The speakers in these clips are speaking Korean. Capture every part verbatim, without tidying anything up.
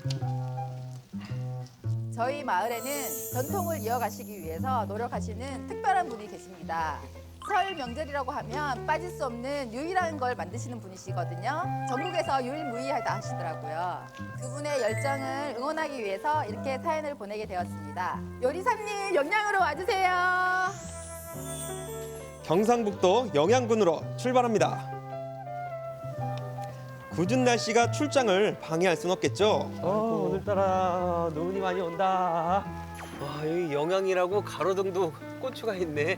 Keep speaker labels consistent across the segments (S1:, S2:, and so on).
S1: 저희 마을에는 전통을 이어가시기 위해서 노력하시는 특별한 분이 계십니다. 설 명절이라고 하면 빠질 수 없는 유일한 걸 만드시는 분이시거든요. 전국에서 유일무이하다 하시더라고요. 그분의 열정을 응원하기 위해서 이렇게 사연을 보내게 되었습니다. 요리사님, 영양으로 와주세요.
S2: 경상북도 영양군으로 출발합니다. 굳은 날씨가 출장을 방해할 순 없겠죠.
S3: 어, 오늘따라 눈이 많이 온다. 와, 여기 영양이라고 가로등도 고추가 있네.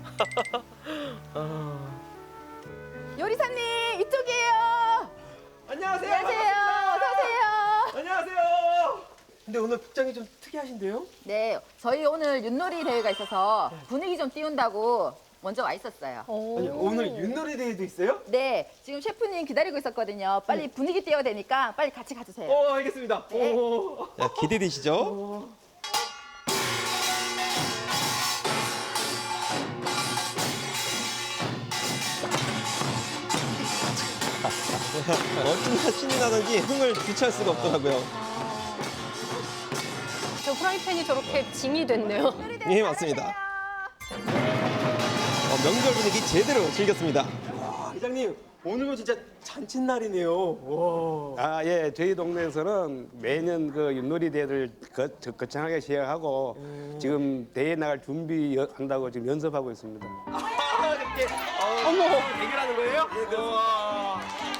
S3: 아.
S1: 요리사님, 이쪽이에요.
S3: 안녕하세요.
S1: 안녕하세요. 어서 오세요.
S3: 안녕하세요. 근데 오늘 복장이 좀 특이하신데요?
S1: 네, 저희 오늘 윷놀이 대회가 있어서 분위기 좀 띄운다고 먼저 와 있었어요.
S3: 아니, 오늘 윷놀이 대회도 있어요?
S1: 네, 지금 셰프님 기다리고 있었거든요. 빨리 분위기 띄워야 되니까 빨리 같이 가주세요.
S3: 어, 알겠습니다.
S1: 네.
S3: 오.
S2: 자, 기대되시죠?
S3: 어.
S2: 어찌나 신이 나는지 흥을 주체할 수가 없더라고요.
S4: 저 프라이팬이 저렇게 징이 됐네요.
S2: 예, 맞습니다. 어, 명절 분위기 제대로 즐겼습니다.
S3: 회장님, 오늘은 진짜 잔칫날이네요. 와.
S5: 아, 예. 저희 동네에서는 매년 그 윷놀이 대회를 거, 저- 거창하게 시행하고 지금 대회 나갈 준비한다고 지금 연습하고 있습니다.
S3: 아, 이렇게 어, 어머 대결하는 거예요? 예, 우와.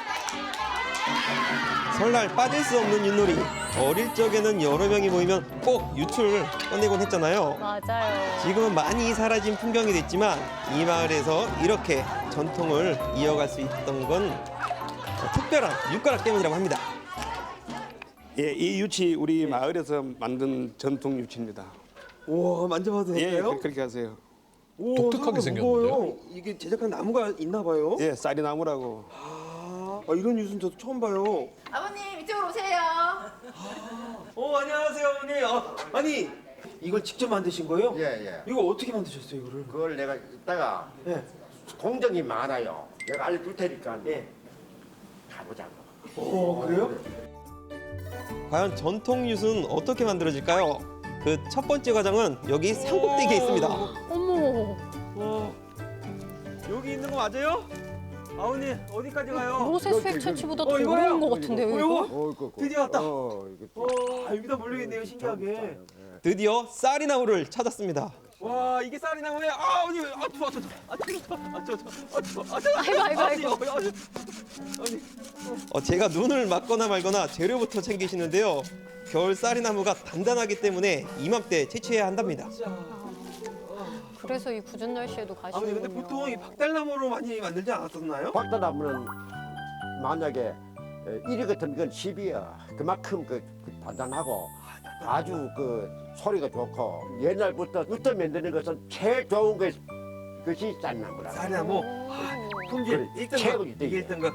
S2: 설날 빠질 수 없는 윷놀이. 어릴 적에는 여러 명이 모이면 꼭 유출 꺼내곤 했잖아요.
S4: 맞아요.
S2: 지금은 많이 사라진 풍경이 됐지만 이 마을에서 이렇게 전통을 이어갈 수 있던 건 특별한 육가락 때문이라고 합니다.
S5: 예, 이 유치 우리 마을에서 만든 전통 유치입니다.
S3: 우와, 만져봐도
S5: 예,
S3: 될까요?
S5: 그- 그렇게 하세요.
S3: 오,
S6: 독특하게
S3: 생각보다 무거워요. 이게 제작한 나무가 있나 봐요.
S5: 예, 쌀이 나무라고.
S3: 아, 아, 이런 유수는 저도 처음 봐요.
S1: 아버님, 이쪽으로 오세요.
S3: 어, 안녕하세요, 어머니. 어, 아니, 이걸 직접 만드신 거예요?
S7: 예, 예.
S3: 이거 어떻게 만드셨어요, 이거를?
S7: 그걸 내가 이따가
S3: 예.
S7: 공정이 많아요. 내가 알려줄 테니까
S3: 예.
S7: 가보자고.
S3: 오, 그래요?
S2: 과연 전통 윷은 어떻게 만들어질까요? 그 첫 번째 과정은 여기 산꼭대기에 있습니다.
S4: 어머,
S3: 와, 여기 있는 거 맞아요? 아버님, 어디까지 가요?
S4: 로세 수액 채취보다 더
S3: 어, 이거요?
S4: 어려운 것 같은데요,
S3: 어,
S4: 이거?
S3: 이거?
S7: 어, 이거,
S3: 드디어 왔다.
S7: 어, 이거.
S3: 와, 여기다 몰려있네요, 신기하게.
S2: 드디어 쌀이나무를 찾았습니다.
S3: 와, 이게 쌀이 나무에 아, 어머니, 아, 추워, 추워, 아, 추워, 아, 추워, 아, 추워, 아, 추워.
S4: 아이고, 아이고, 아이고.
S3: 아니, 어, 아니, 아니.
S2: 어, 제가 눈을 맞거나 말거나 재료부터 챙기시는데요. 겨울 쌀이나무가 단단하기 때문에 이맘때 채취해야 한답니다.
S3: 진짜.
S4: 그래서 이 굳은 날씨에도
S3: 아버님,
S4: 가시는군요.
S3: 근데 보통 이 박달나무로 많이 만들지 않았었나요?
S7: 박다나무는 만약에 일 위 같은 건 십이야. 그만큼 그, 그 단단하고 아주 그 소리가 좋고 옛날부터 부터 만드는 것은 제일 좋은 것, 것이 쌀나무라.
S3: 쌀나무. 품질
S7: 그래,
S3: 일 등
S7: 최고지,
S3: 이게
S7: 이게.
S3: 일 등급.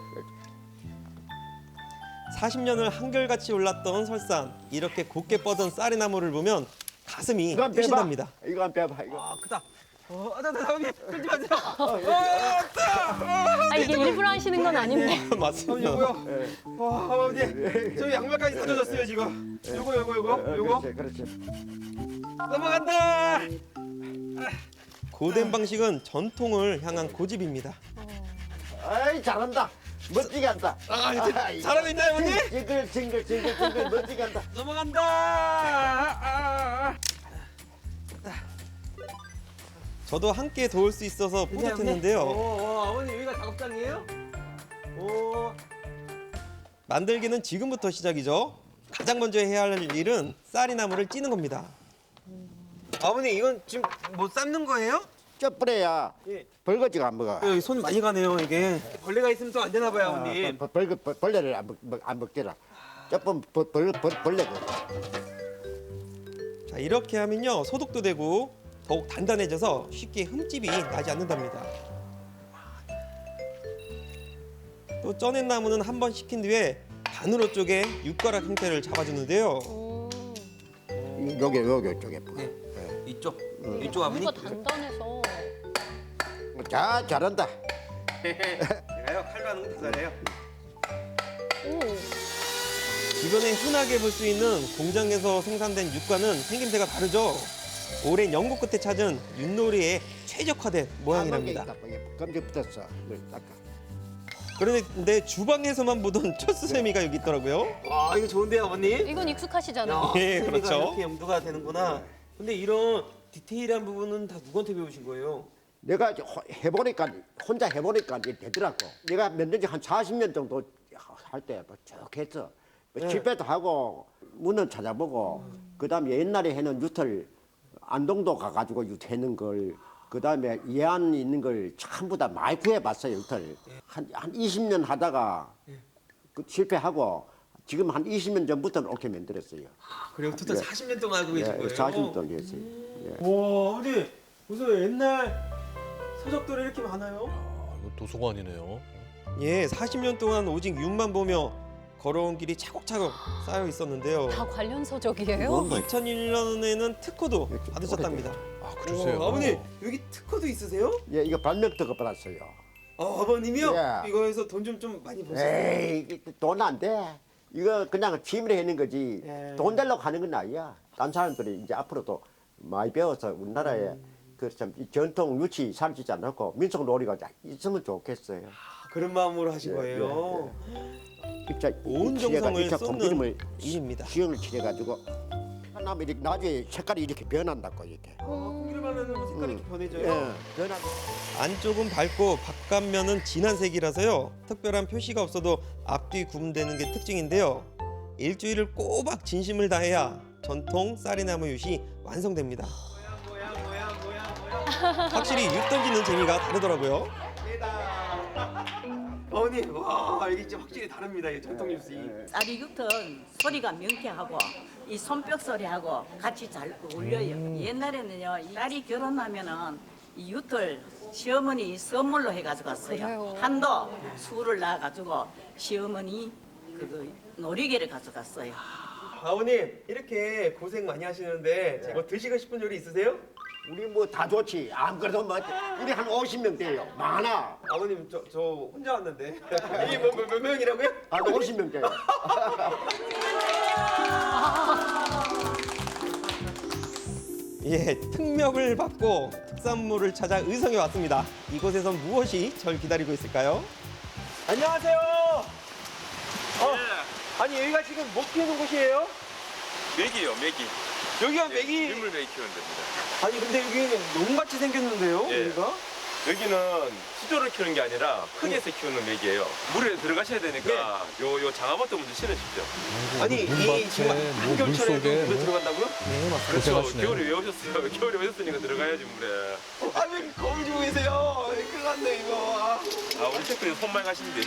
S2: 사십 년을 한결같이 올랐던 설산. 이렇게 곱게 뻗은 쌀이나무를 보면 가슴이
S7: 이거 한번 빼봐.
S2: 뛰신답니다.
S7: 이거 한번 빼봐. 이거.
S3: 아, 크다. 어, 아, 나, 나, 아버님, 끌지 마세요. 어,
S4: 아, 이게 일부러 하시는 건 아닌데.
S3: 아버님,
S2: 맞습니다.
S3: 요거요. 와, 아버님, 저희 양말까지 사줘줬어요, 지금. 요거, 요거, 요거,
S7: 어,
S3: 요거.
S7: 그렇지, 그렇지.
S3: 넘어간다.
S2: 고된 방식은 전통을 향한 고집입니다.
S7: 아이, 잘한다. 멋지게 한다.
S3: 아, 이제 잘하고 있나요, 어머니?
S7: 징글, 징글, 징글, 징글, 멋지게 한다.
S3: 넘어간다. 아, 아, 아.
S2: 저도 함께 도울 수 있어서
S3: 오,
S2: 뿌듯했는데요.
S3: 오, 아버님 여기가 작업장이에요? 오,
S2: 만들기는 지금부터 시작이죠. 가장 먼저 해야 할 일은 쌀이나무를 찌는 겁니다.
S3: 아버님 이건 지금 뭐 삶는 거예요?
S7: 쪄뿌려야
S3: 예.
S7: 벌거지가 안 먹어.
S3: 여기 손 많이 가네요 이게. 벌레가 있으면 또 안 되나 봐요,
S7: 아,
S3: 아버님.
S7: 벌, 벌, 벌, 벌레를 안, 먹, 먹- 안 먹더라. 쪄뿌면 벌, 벌, 벌, 벌레가.
S2: 자, 이렇게 하면요. 소독도 되고 더욱 단단해져서 쉽게 흠집이 나지 않는답니다. 또 쪄낸 나무는 한 번 식힌 뒤에 반으로 쪼개 육가락 형태를 잡아주는데요.
S4: 음,
S7: 요게, 요게, 쪽에.
S3: 네. 이쪽, 이쪽 아버님.
S4: 뭔가 단단해서.
S7: 자, 잘한다.
S3: 제가요 칼로 하는 건 더 잘해요.
S4: 오,
S2: 주변에 흔하게 볼 수 있는 공장에서 생산된 육과는 생김새가 다르죠. 오랜 연구 끝에 찾은 윷놀이에 최적화된 모양이랍니다.
S7: 검지 붙었어. 닦아.
S2: 그런데 주방에서만 보던 촛수세미가 여기 있더라고요.
S3: 와 이거 좋은데요 아버님?
S4: 이건 익숙하시잖아요.
S2: 예,
S3: 세미가
S2: 그렇죠.
S3: 이렇게 염두가 되는구나. 근데 이런 디테일한 부분은 다 누구한테 배우신 거예요?
S7: 내가 이제 호- 해보니까 혼자 해보니까 이제 되더라고. 내가 만든 지 한 사십 년 정도 할 때 뭐 쭉 했어. 뭐 실패도 하고 문은 찾아보고 그다음에 옛날에 해는 유틀 안동도 가가지고 유태는 걸 그다음에 예안 있는 걸 전부 다 많이 구해봤어요 유틀. 한한 이십 년 하다가 그 실패하고 지금 한 이십 년 전부터는 옳게 만들었어요.
S3: 그리고 토탈
S7: 예.
S3: 사십 년 동안 알고 계신
S7: 예,
S3: 거예요?
S7: 사십 년 동안 했어요. 예.
S3: 와 아버님 무슨 옛날 서적들이 이렇게 많아요?
S6: 아, 이거 도서관이네요.
S2: 예, 사십 년 동안 오직 윷만 보며 걸어온 길이 차곡차곡 쌓여 있었는데요.
S4: 다 관련 서적이에요?
S2: 이천일 년에는 특허도
S7: 이렇게
S2: 받으셨답니다.
S6: 아, 그러세요.
S3: 와, 아버님 여기 특허도 있으세요?
S7: 예, 이거 발명특허 받았어요.
S3: 아 아버님이요?
S7: 예.
S3: 이거에서 돈 좀 좀 많이 버셨어요?
S7: 에이, 돈 안 돼. 이거 그냥 취미로 하는 거지.
S3: 예.
S7: 돈 되려고 하는 건 아니야. 딴 사람들이 이제 앞으로도 많이 배워서 우리나라에 그참 전통 유치 사라지지 않고 민속 놀이가 있으면 좋겠어요.
S3: 아, 그런 마음으로 하신
S7: 예,
S3: 거예요?
S7: 입자
S2: 온
S7: 칠해가-
S2: 정성을
S7: 입자
S2: 쏟는
S7: 공기름을
S2: 일입니다.
S7: 시험을 칠해가지고 하나면 이렇게 나중에 색깔이 이렇게 변한다고 이렇게.
S3: 아, 고기를 바르면 색깔이 이렇게 변해져요?
S7: 예, 변한.
S2: 안쪽은 밝고 바깥면은 진한 색이라서요. 특별한 표시가 없어도 앞뒤 구분되는 게 특징인데요. 일주일을 꼬박 진심을 다해야 전통 쌀이나무 윷이 완성됩니다.
S3: 뭐야 뭐야 뭐야 뭐야
S2: 확실히 윷 던지는 재미가 다르더라고요.
S3: 어머님 와 이게 진짜 확실히 다릅니다 이 전통 뉴스.
S8: 쌀이 육턴 소리가 명쾌하고 이 손뼉 소리하고 같이 잘 어울려요. 옛날에는요, 이 딸이 결혼하면은 이 유틀 시어머니 선물로 해가지고 갔어요.
S4: 그래요?
S8: 한도 술을 낳아가지고 시어머니 그 놀이개를 가져갔어요.
S3: 아버님 이렇게 고생 많이 하시는데 뭐 드시고 싶은 요리 있으세요?
S7: 우리 뭐 다 좋지. 아무래도 뭐 우리 한 오십 명 돼요. 많아.
S3: 아버님 저 저 혼자 왔는데 이게 뭐 몇 명이라고요?
S7: 한 오십 명 돼요.
S2: 예, 특명을 받고 특산물을 찾아 의성에 왔습니다. 이곳에선 무엇이 절 기다리고 있을까요?
S3: 안녕하세요. 어, 아니 여기가 지금 뭐 키우는 곳이에요?
S9: 메기요, 메기.
S3: 여기가 메기.
S9: 민물 메기 키우는 데입니다.
S3: 아니 근데 여기는 농같이 생겼는데요?
S9: 예.
S3: 여기가?
S9: 여기는 수조를 키우는 게 아니라 흙에서 키우는 메기예요. 물에 들어가셔야 되니까 요, 요 장화부터 먼저 신으십시오.
S3: 아니 이
S6: 문밭에,
S3: 지금
S6: 뭐
S3: 한겨울철에도
S6: 물속에
S3: 물에
S6: 뭐.
S3: 들어간다고요?
S2: 네, 맞습니다.
S9: 그렇죠.
S6: 고생하시네요.
S9: 겨울에 왜 오셨어요? 겨울에 오셨으니까 들어가야지 물에.
S3: 아 왜 거울 주고 계세요? 큰일 났네 이거.
S9: 아, 우리 셰프님 손만 가시는데.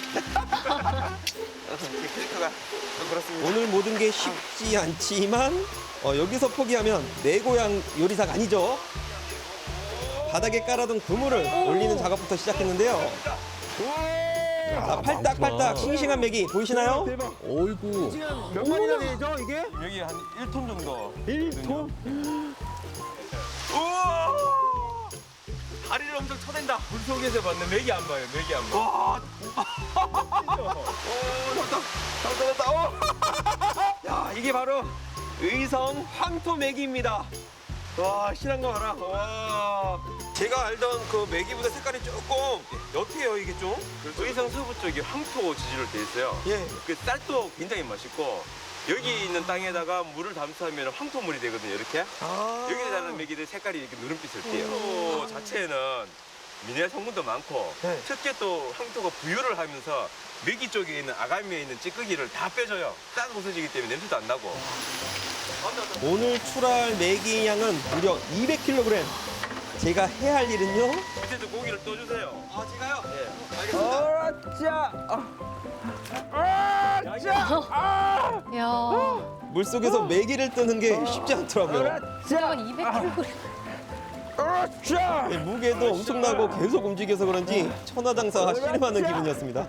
S3: 제 캐릭터가 좀 그렇습니다.
S2: 오늘 모든 게 쉽지 않지만 어, 여기서 포기하면 내 고향 요리사가 아니죠. 바닥에 깔아둔 그물을 올리는 작업부터 시작했는데요. 자, 팔딱팔딱 싱싱한 맥이 보이시나요?
S6: 어이구.
S3: 몇 마리나 되죠 이게?
S9: 여기 한 일 톤 정도.
S3: 일 톤?
S9: 우와! 다리를 엄청 쳐댄다. 물속에서 봤는 메기 안 봐요, 메기 안 봐.
S3: 와.
S9: 오, 잡다, 잡다, 잡다. 오!
S3: 야 이게 바로 의성 황토 메기입니다. 와 실한 거 봐라. 와.
S2: 제가 알던 그 메기보다 색깔이 조금 옅해요, 이게 좀.
S9: 그래서 의성 서부 쪽이 황토 지질로 돼 있어요.
S2: 예.
S9: 그 쌀도 굉장히 맛있고 여기 있는 땅에다가 물을 담수하면 황토물이 되거든요. 이렇게
S2: 아.
S9: 여기에 자라는 메기들 색깔이 이렇게 누른빛을 띠요. 황토 자체에는 미네랄 성분도 많고
S2: 네.
S9: 특히 또 황토가 부유를 하면서 메기 쪽에 있는 아가미에 있는 찌꺼기를 다 빼줘요. 딱 부서지기 때문에 냄새도 안 나고.
S2: 오늘 출하할 메기 양은 무려 이백 킬로그램. 제가 해야 할 일은요?
S9: 밑에도 고기를 떠주세요.
S3: 아 제가요?
S9: 예.
S3: 알겠습니다. 어짜.
S4: 야,
S2: 물속에서 메기를 뜨는 게 쉽지 않더라고요.
S4: 숫자가 이백 킬로그램.
S2: 예, 무게도 엄청나고 계속 움직여서 그런지 천하장사가 씨름하는 기분이었습니다.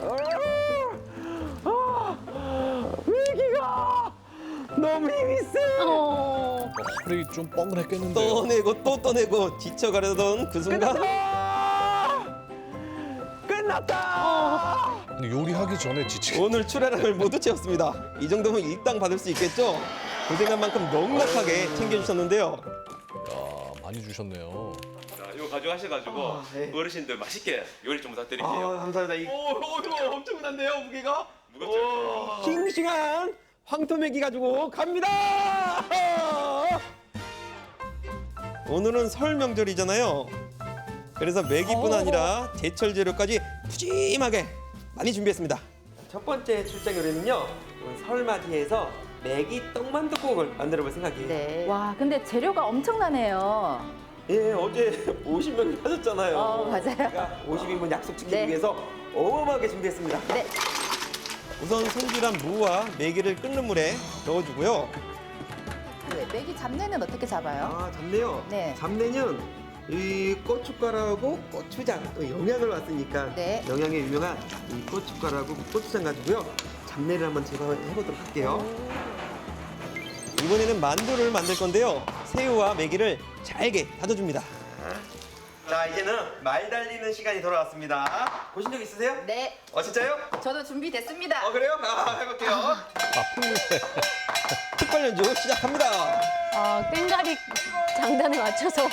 S3: 메기가 너무 힘이 세.
S4: 어.
S6: 허리 좀 뻐근했겠는데요.
S2: 떠내고 또 떠내고 지쳐가려던 그 순간
S3: 끝났다. 끝났다.
S6: 근데 요리하기 전에 지치겠.
S2: 오늘 출하량을 모두 채웠습니다. 이 정도면 일당 받을 수 있겠죠? 고생한 만큼 넉넉하게 챙겨주셨는데요.
S6: 야, 많이 주셨네요.
S9: 자, 이거 가져가셔가지고
S2: 아, 네.
S9: 어르신들 맛있게 요리 좀
S2: 아,
S9: 부탁드릴게요.
S2: 감사합니다. 이
S9: 오, 오, 이거 엄청난데요, 무게가? 무겁죠?
S2: 싱싱한 황토메기 가지고 갑니다. 오늘은 설 명절이잖아요. 그래서 메기뿐 아니라 제철 재료까지 푸짐하게 많이 준비했습니다.
S3: 첫 번째 출장 요리는요. 설 맞이해서 메기 떡만둣국을 만들어 볼 생각이에요.
S1: 네. 와, 근데 재료가 엄청나네요.
S3: 예, 어제 오십 명 하셨잖아요.
S1: 어, 맞아요.
S3: 제가 오십 인분 약속 지키기
S1: 네.
S3: 위해서 어마어마하게 준비했습니다.
S1: 네.
S2: 우선 손질한 무와 메기를 끓는 물에 넣어주고요.
S1: 네, 메기 잡내는 어떻게 잡아요?
S3: 아, 잡내요?
S1: 네.
S3: 잡내는 이 고춧가루하고 고추장 또 영양을 왔으니까
S1: 네.
S3: 영양에 유명한 이 고춧가루하고 고추장 가지고요. 잡내를 한번 제거해 보도록 할게요.
S2: 이번에는 만두를 만들 건데요. 새우와 메기를 잘게 다져줍니다.
S3: 자, 이제는 말 달리는 시간이 돌아왔습니다. 보신 적 있으세요?
S1: 네.
S3: 어, 진짜요?
S1: 저도 준비됐습니다.
S3: 어, 그래요? 아, 해볼게요.
S2: 특별 연주 시작합니다.
S4: 아, 꽹가리 장단에 맞춰서.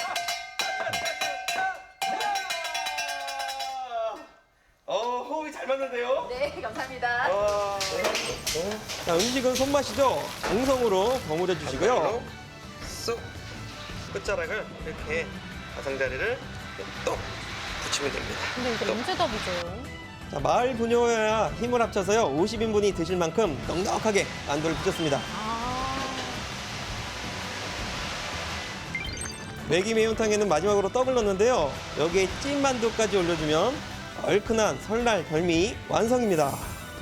S3: 어, 호흡이 잘 맞는데요?
S1: 네, 감사합니다.
S3: 어,
S2: 자, 음식은 손맛이죠. 정성으로 버무려 주시고요.
S3: 쏙 끝자락을 이렇게 가장자리를 똑 붙이면 됩니다.
S4: 근데 이게 언제 다 부져요?
S2: 자, 마을 부녀와 힘을 합쳐서요. 오십 인분이 드실 만큼 넉넉하게 만두를 빚었습니다. 메기 매운탕에는 마지막으로 떡을 넣는데요. 여기에 찐만두까지 올려주면 얼큰한 설날 별미 완성입니다.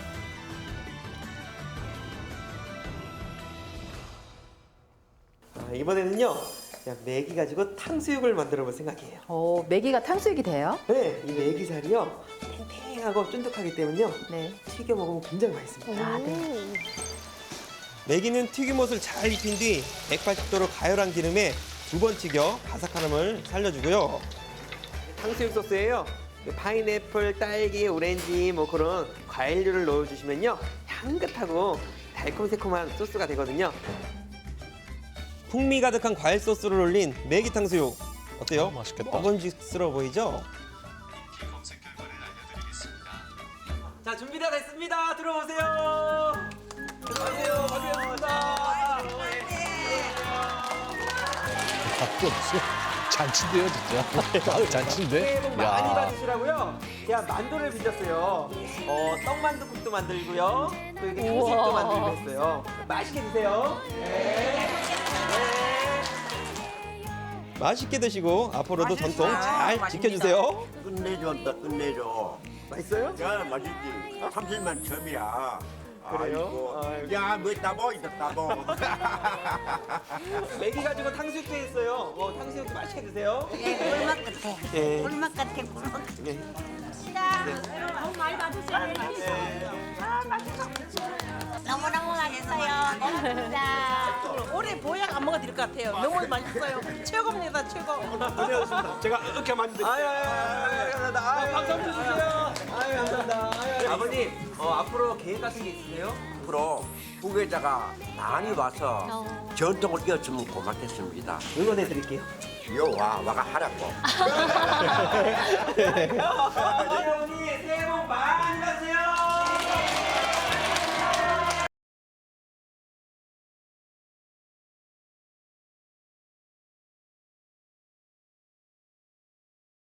S3: 아, 이번에는요. 그냥 메기 가지고 탕수육을 만들어 볼 생각이에요.
S1: 오, 메기가 탕수육이 돼요?
S3: 네, 이 메기살이요. 탱탱하고 쫀득하기 때문에요.
S1: 네.
S3: 튀겨 먹으면 굉장히 맛있습니다.
S1: 아, 네.
S2: 메기는 튀김옷을 잘 입힌 뒤 백팔십 도로 가열한 기름에 두 번 튀겨 바삭함을 살려주고요.
S3: 탕수육 소스에요. 파인애플, 딸기, 오렌지 뭐 그런 과일류를 넣어주시면요. 향긋하고 달콤새콤한 소스가 되거든요.
S2: 풍미 가득한 과일 소스를 올린 메기 탕수육. 어때요?
S6: 어, 맛있겠다.
S2: 먹음직스러워 보이죠?
S3: 자, 준비가 됐습니다. 들어오세요. 들어오세요. 반갑습니다.
S6: 밥도 없어. 잔치인데요, 진짜. 아, 잔치인데?
S3: 새해 복 많이
S6: 야.
S3: 받으시라고요. 제가 만두를 빚었어요. 어, 떡만두국도 만들고요. 또 이렇게 탕수육도
S4: 우와.
S3: 만들고 했어요. 맛있게 드세요. 네.
S2: 맛있게 드시고 앞으로도 전통 잘 지켜주세요.
S7: 끝내준다 끝내줘.
S3: 맛있어요?
S7: 야 맛있지. 삼십만 처음이야.
S3: 그래요?
S7: 아이고. 야, 뭐 따보 있다 따보.
S3: 메기 가지고 탕수육도 했어요. 어, 탕수육도 맛있게 드세요.
S8: 꿀맛 같아.
S3: 예.
S8: 꿀맛 같아. 꿀맛 같아.
S3: 네.
S8: 너무 많이 받으세요. 너무너무 맛있어요. 고맙습니다. 올해 보약 안 먹어드릴 것 같아요. 너무 맛있어요. 최고입니다, 최고.
S5: 고생하셨습니다. 제가 이렇게 만든.
S3: 아유, 아유, 아유, 감사합니다. 아유, 박수 한번 주세요. 아유, 감사합니다. 아유, 아버님, 어, 앞으로 계획 같은 게 있으세요?
S7: 앞으로 후계자가 많이 와서 전통을 이었으면 고맙겠습니다.
S3: 응원해 드릴게요.
S7: 요 와, 와가 하라고.
S3: 어머니, 새해 복 많이 받으세요.